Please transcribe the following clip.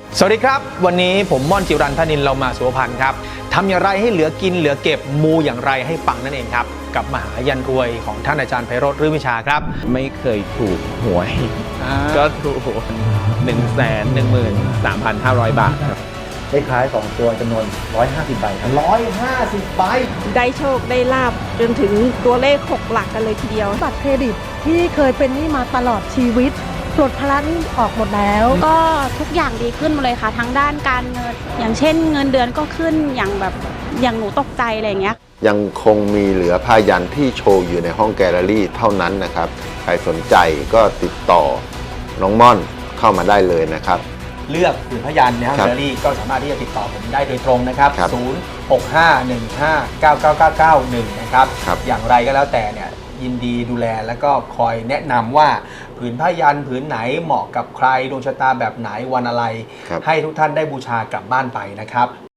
สวัสดีครับวันนี้ผมม่อนจิรันทนินเรามาสุวพันธ์ครับทำอย่างไรให้เหลือกินเหลือเก็บมูอย่างไรให้ปังนั่นเองครับกับมหายันรวยของท่านอาจารย์ไพโรจน์ รื่นวิชาครับไม่เคยถูกหวยก็ถูก 113,500 บาทครับได้ขาย2ตัวจำนวน150 ใบครับ150 ใบได้โชคได้ลาบจนถึงตัวเลข6 หลักกันเลยทีเดียวบัตรเครดิตที่เคยเป็นหนี้มาตลอดชีวิตปลดภาระหนี้ออกหมดแล้วก็ทุกอย่างดีขึ้นหมดเลยค่ะทั้งด้านการเงินอย่างเช่นเงินเดือนก็ขึ้นอย่างหนูตกใจอะไรอย่างเงี้ยยังคงมีเหลือผ้ายันที่โชว์อยู่ในห้องแกลเลอรี่เท่านั้นนะครับใครสนใจก็ติดต่อน้องม่อนเข้ามาได้เลยนะครับเลือกผืนพยัญชนะในห้องแกลเลอรี่ก็สามารถที่จะติดต่อผมได้โดยตรงนะครับ0651599991นะครับอย่างไรก็แล้วแต่เนี่ยยินดีดูแลแล้วก็คอยแนะนำว่าผืนผ้ายันผืนไหนเหมาะกับใครดวงชะตาแบบไหนวันอะไรให้ทุกท่านได้บูชากลับบ้านไปนะครับ